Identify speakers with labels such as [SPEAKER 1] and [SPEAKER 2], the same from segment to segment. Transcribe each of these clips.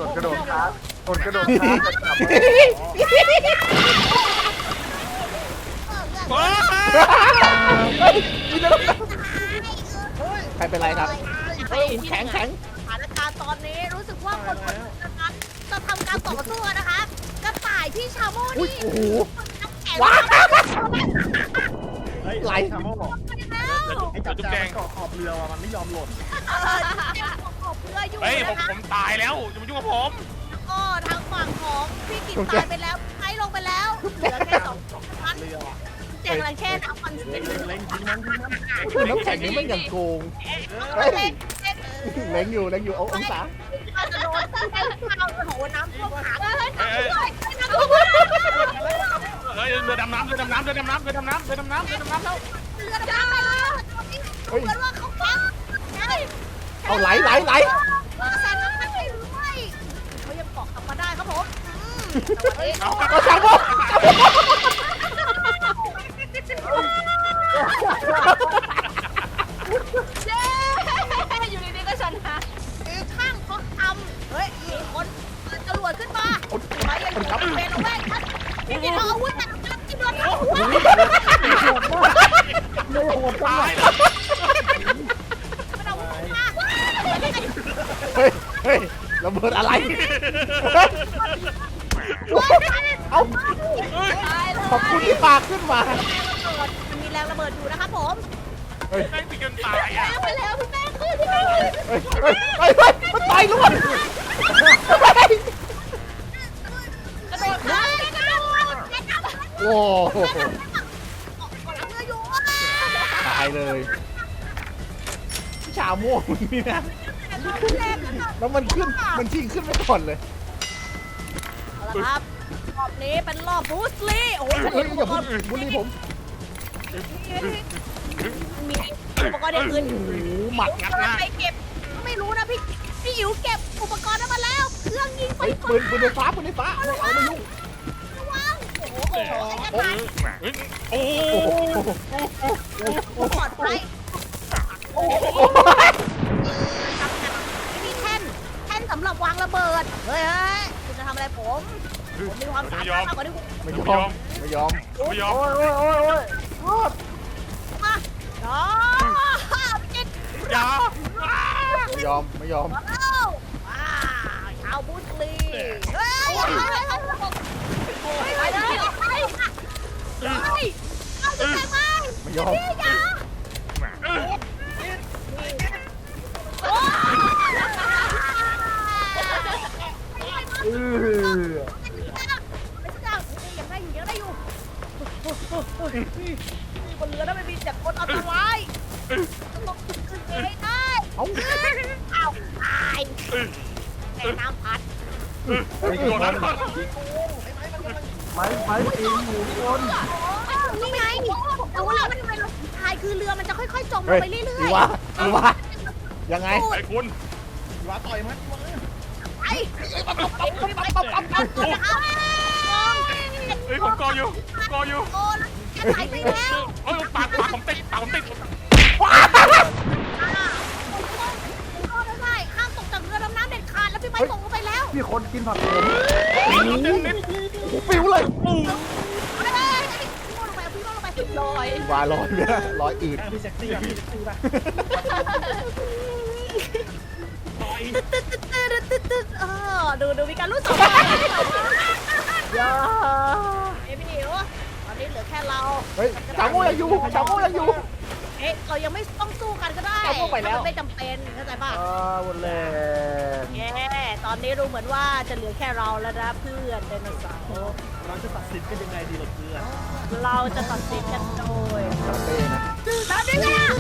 [SPEAKER 1] กดกระโดดค้างกดกระโดดค้างจะกลับ
[SPEAKER 2] ใครเป็นไรครับเฮ้ยแข็ง
[SPEAKER 3] สถานการณ์ตอนนี้รู้สึกว่าคนนั้นจะทำการต่อสู้นะคะกระต่ายที่ชาโม่
[SPEAKER 2] อุ้ย
[SPEAKER 3] นี่
[SPEAKER 2] โอ้โห
[SPEAKER 3] ว้า
[SPEAKER 2] ไหล
[SPEAKER 1] ชาโม่บอก
[SPEAKER 3] แล้ว
[SPEAKER 1] ไอ้จับแจงเกาะขอบเรือว่ะมันไม่ยอมหล่น
[SPEAKER 3] ขอบเรืออยู่
[SPEAKER 4] เฮ้ย
[SPEAKER 3] นะคะ
[SPEAKER 4] ผมตายแล้วอย่ามายุ่งกับผม
[SPEAKER 3] ก็ทางฝั่งของพี่กิตตายไปแล้วไอ้ลงไปแล้วเหลือแค่2ท่าน
[SPEAKER 1] เรือว่ะ
[SPEAKER 3] แจงลังแค่น้ำมัน
[SPEAKER 1] เล็งทิ้งมันทิ้งมัน
[SPEAKER 2] คือน้ำแข็งนี่ไม่อย่างโกงเฮ้ยเล็งอยู่เอาองศา
[SPEAKER 3] จะโดนข้าวโหน้ำท่วมขาเลยน้ำท่วม
[SPEAKER 4] เฮ้ยเรือดำน้ำแล้ว
[SPEAKER 3] เรือดำน้ำแล้วเหมือนว่าเขาฟัง
[SPEAKER 2] เอาไหล
[SPEAKER 3] แซงน้ำมันไปด้วยเขายังเกาะกลับมาได้ครับผม
[SPEAKER 2] ก็ชาโม่
[SPEAKER 3] เย้อยู่ดีๆก็ชนะข้างเขาทำเฮ้ยมีคนจรวดขึ้นมาไปยังอยู่เป็นแม่ฉันพี่กินเอาอาวุธแต่กำลังกินโดนหัว
[SPEAKER 1] ไม่โหดจัง
[SPEAKER 4] ตาย
[SPEAKER 3] มันเอาอาวุธมา
[SPEAKER 2] เฮ้ยระเบิดอะไรเอาขอบคุณที่ปาขึ้นมา
[SPEAKER 3] มันมีแรงระเบิดอยู่นะครับผม
[SPEAKER 4] แม่งติดกันตายอ่ะ
[SPEAKER 3] ไปแล้วพี่แม่ขึ้นพี่แม่
[SPEAKER 2] มันตายล้วน
[SPEAKER 3] กระโดดข้ามกระโดด
[SPEAKER 2] โอ้โห
[SPEAKER 3] เรืออยู่
[SPEAKER 2] ตายเลยชาโม่นี่นะแล้วมันขึ้นมันชิงขึ้นไปก่อนเลย
[SPEAKER 3] เอาละครับรอบนี้เป็นรอบบูสลีโอ้โห
[SPEAKER 2] เฮ้ยอย่าพูดบุรีผม
[SPEAKER 3] มีอุปกรณ์อย่างอื่น
[SPEAKER 2] โอ้โหหมัดงัดหน้า
[SPEAKER 3] ไปเก็บไม่รู้นะพี่อิ๋วเก็บอุปกรณ์นั้นมาแล้ว เครื่องยิงไฟ
[SPEAKER 2] เฮ้ยปืนไฟฟ้าไม่เอามายุ่ง
[SPEAKER 3] ระวังโอ้โหไอ้กระต่าย
[SPEAKER 4] โอ้
[SPEAKER 2] โอ้โห
[SPEAKER 3] ปลอดภัย
[SPEAKER 2] โอ้โห
[SPEAKER 3] มีแท่นสำหรับวางระเบิดเฮ้ยคุณจะทำอะไรผมมีความสามารถมากกว่าที่คุณ
[SPEAKER 2] ไม่ยอม
[SPEAKER 4] ไม่ยอม
[SPEAKER 1] โอ้ยรอด
[SPEAKER 3] มาน้อจิต
[SPEAKER 4] อย่า
[SPEAKER 2] ไม่ยอม
[SPEAKER 3] ว้าวชาวบูสลีเฮ้ยไปเลยไปเอาจะแทงไหม
[SPEAKER 2] ไม่ยอม
[SPEAKER 3] พี่อย่าโอ้
[SPEAKER 1] เออ
[SPEAKER 3] ยังได้อยู่บนเรือนั้นไม่มีแต่คนอันตรายต้องขึ้นไปให้ได้
[SPEAKER 2] เอา
[SPEAKER 3] เอาตายแม่น้ำพัด
[SPEAKER 4] โดนนั้น
[SPEAKER 1] ไม้ปีนอยู่คน
[SPEAKER 3] นี่ไงรู้แล้วมันเป็นทายคือเรือมันจะค่อยๆจมล
[SPEAKER 2] เฮ้
[SPEAKER 3] ง
[SPEAKER 2] ย
[SPEAKER 3] ไปเรื่อย
[SPEAKER 2] ดีวะยังไง
[SPEAKER 4] ไอ้คุณ
[SPEAKER 1] ว่าต่อยมัน
[SPEAKER 3] ๆไป
[SPEAKER 4] เฮ้ยผมกออยู่
[SPEAKER 3] โอ้แล้วจะหายไปแล้ว
[SPEAKER 4] เฮ้ยปากผมติด
[SPEAKER 3] ได้ห้ามตกจากเรือดำน้ำเด็ดขาดแล้วพี่ไม้ตกลงไปแล้ว
[SPEAKER 1] พี่คนกินผักผม
[SPEAKER 2] ปิวเลย
[SPEAKER 3] พี่โม่ลงไปพี่โม่ลงไปลอย
[SPEAKER 2] วาลอยเนี่ยลอยอืด
[SPEAKER 1] พี่เซ็กซี่อะพี่เซ็กซี่ป่ะ
[SPEAKER 3] ดูมีการรู้สึกอย่าพี่นิวตอนนี้เหลือแค่เรา
[SPEAKER 2] เฮ้ยชาโม่ยังอยู่
[SPEAKER 3] เอ๊ะเรายังไม่ต้องสู้กันก็ได้
[SPEAKER 2] เอาพวกไปแล้ว
[SPEAKER 3] มันไม่จำเป็นเข้าใจป่ะ
[SPEAKER 1] หมดแล้ว
[SPEAKER 3] แย่ตอนนี้ดูเหมือนว่าจะเหลือแค่เราแล้วนะเพื่อนไดโนเสาร์
[SPEAKER 1] เราจะตัดสินกันยังไงดีล่ะเพื่อน
[SPEAKER 3] เราจะตัดสินกันโดย
[SPEAKER 2] เต้นะ
[SPEAKER 3] ตามนี้เลยอะ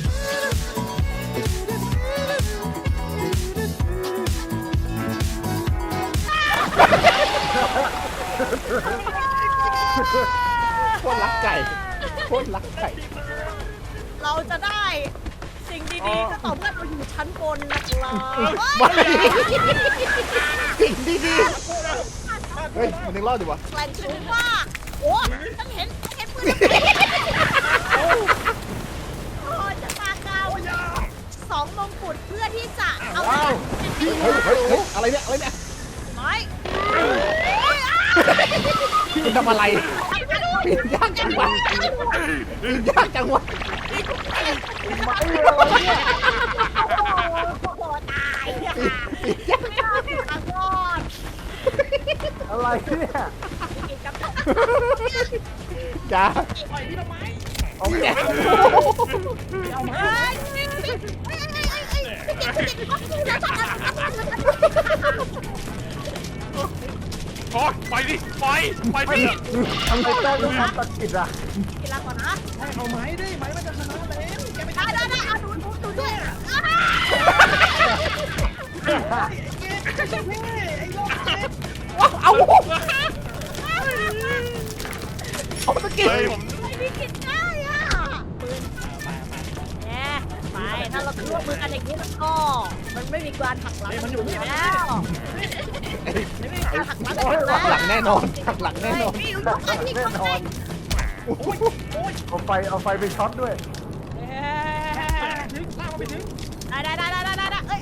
[SPEAKER 2] โคตรรักไก่โคตรรักไก่
[SPEAKER 3] เราจะได้สิ่งดีๆก็ต่อเมื่อเราอยู่ชั้นบนนะครับ
[SPEAKER 2] ไม่สิ่งดีๆเฮ้ยมันยังรอดอยู่วะ
[SPEAKER 3] แกล้งชื่อว่าโอ้ฉันเห็นปืนโอ้จะปากาว2 มงกุฎเพื่อที่จะเอา
[SPEAKER 2] เฮ้ยอะไรเนี่ยคุณทำอะไรปีนยากจังวะปีนยากจังวะ
[SPEAKER 1] ไม้อะไรเนี่ย
[SPEAKER 3] โอ้โหตายเนี่ยค่ะไม่รอดค่ะรอด
[SPEAKER 1] อะไรเนี่ย
[SPEAKER 3] กินกับ
[SPEAKER 2] จ้า
[SPEAKER 1] เอาไม้
[SPEAKER 3] เฮ้ย
[SPEAKER 4] โอ้ยปล่อยดิปล่อยดิ
[SPEAKER 1] ทำไมแป้งต้องทำตะกิดอ่ะ
[SPEAKER 3] กินละก่อนนะ
[SPEAKER 1] เอาไม้ดิไม้มันจะชนะแล้วแกไม่
[SPEAKER 3] ได้เอาดูด้วย
[SPEAKER 2] เอาตะกี้
[SPEAKER 4] เฮ้ยผม
[SPEAKER 3] ไม่กินได้อ่ะปืนแหมไปถ้าเราร่วมมือกันอย่างนี้แล้วก็มันไม่มีการหักหลังมันอยู่แล้วหักหลัง
[SPEAKER 2] หักหลังแน่นอนหักหลังแน่นอน
[SPEAKER 3] นี่รู้กันนี่
[SPEAKER 1] แน่นอนเอาไฟไปช็อตด้วย
[SPEAKER 3] ได้เอ้ย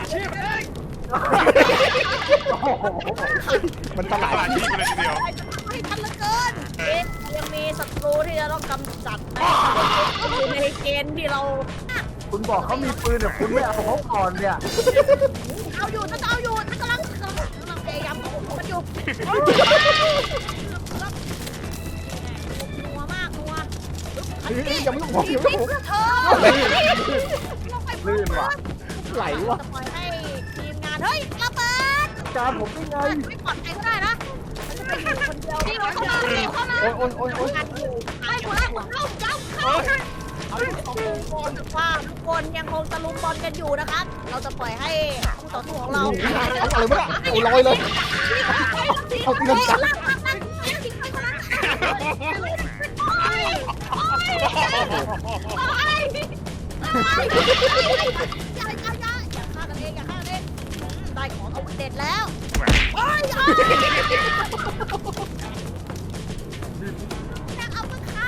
[SPEAKER 1] โอ้โห
[SPEAKER 2] มันตลาด
[SPEAKER 4] ตลาดที่กันเลยทีเดียว
[SPEAKER 3] ให้ทันเหลือเกินยังมีศัตรูที่จะต้องกำจัดในเกณฑ์ที่เรา
[SPEAKER 1] คุณบอกเขามีปืนแต่คุณไม่เอาเขาก่อนเนี่ย
[SPEAKER 3] เอาอยู่ฉันจะเอาอยู่ฉันกำลังพยายามควบคุมมันอยู่นัวมากนัว
[SPEAKER 2] ยังไม่ต้องยังไม่ต้อง
[SPEAKER 3] เพื่อเธอลงไป
[SPEAKER 1] ลื่นว่ะ
[SPEAKER 2] ไหลวะ
[SPEAKER 3] จะปล่อยให้ทีมงานเฮ้ยระเบิด
[SPEAKER 1] การผมได้ไง
[SPEAKER 3] ไม่ปลอดภัยก็ได้นะฉันจะไปอยู่คนเดียวนี่เราเข้ามาเข้ามา
[SPEAKER 2] โอ้ย
[SPEAKER 3] กันอยู่ไอ้หัวเข้าเอาว่าทุกคนยังคงตะลุมบอลกันอยู่นะครับ เราจะปล่อยให้คู่ต่อสู้ของเรา
[SPEAKER 2] อะไรวะเนี่ยเอาลอยเลยเอาเงินจับ
[SPEAKER 3] ได้ของอาวุธเด็ดแล้วยังเอามาคัน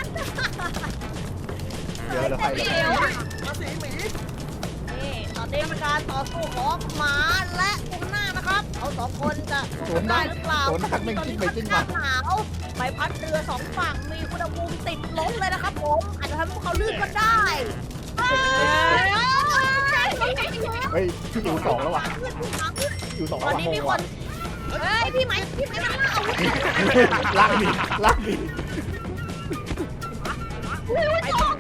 [SPEAKER 2] เดี๋ยวเราใคร
[SPEAKER 3] นี่ตอนนี้เป็นการต่อสู้ของหมาและกุ้งหน้านะครับเขาสองคนจะสู้กันได้หรือเปล่า
[SPEAKER 2] โดนทักไม่
[SPEAKER 3] ตอน
[SPEAKER 2] กิ้
[SPEAKER 3] นี้
[SPEAKER 2] งไป
[SPEAKER 3] ค่อน
[SPEAKER 2] กิ้ง
[SPEAKER 3] ข้า
[SPEAKER 2] มา
[SPEAKER 3] งหนาวใบพัดเรือสองฝั่งมีอุณหภูมิติดลบเลยนะครับผมอาจจะทำให้พวกเขาลื่นก็ได้
[SPEAKER 2] เฮ้ยอยู่สองแล้วว่ะอยู่สอง
[SPEAKER 3] ต
[SPEAKER 2] แล้ว
[SPEAKER 3] อน
[SPEAKER 2] ว่ะ
[SPEAKER 3] นี้
[SPEAKER 2] ง
[SPEAKER 3] มี
[SPEAKER 2] ง
[SPEAKER 3] ค
[SPEAKER 2] ว่ะ
[SPEAKER 3] นเฮ้ยพี่ไหมมันล่าอาวุธ
[SPEAKER 2] ลากดิลากดิ
[SPEAKER 3] ไอ้ต้อง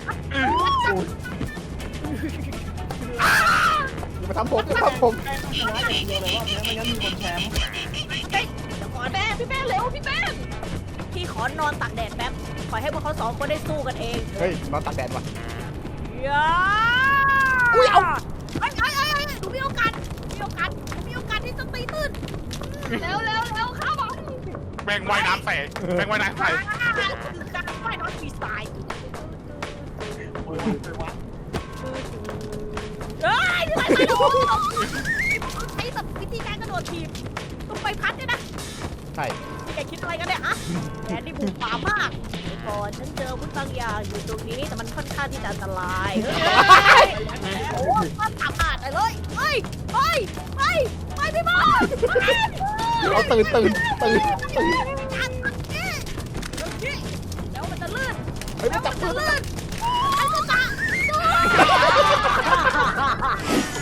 [SPEAKER 2] อย่ามาทำผมอย่ามาทำผม
[SPEAKER 3] เดี๋ยวก่อนแม่พี่แป้งเร็วพี่แป้งพี่ขอนอนตากแดดแป๊บปล่อยให้พวกเขาสองคนได้สู้กันเอง
[SPEAKER 2] เฮ้ยนอนตากแดดว่ะ
[SPEAKER 3] อย่า
[SPEAKER 2] อุ้ยเอา
[SPEAKER 3] ไอ้หนูมีโอกาสที่จะตีตื้นเร็วเข้ามา
[SPEAKER 4] แมงว่ายน้ำใส่แมงว่ายน้ำใส่
[SPEAKER 3] การว่ายน้ำฟรีสไตล์เฮ้ยไม่โดนใช้แบบวิธีการกระโดดทีบต้องไปพัดเนี่ยนะ
[SPEAKER 2] ใช่
[SPEAKER 3] แกคิดอะไรกันเนี่ยฮะแผนที่บุกป่ามากก่อนฉันเจอวุธบางอย่างอยู่ตรงนี้แต่มันค่อนข้างที่จะอันตรายโอ้ยมันสามารถเลยไปพี่บอล
[SPEAKER 2] เราตื่น
[SPEAKER 3] แล้วมันจะลื่น
[SPEAKER 2] เฮ้ยไม่จับ
[SPEAKER 3] จะ
[SPEAKER 2] มือ
[SPEAKER 3] ลื่นไอ้ก็จะ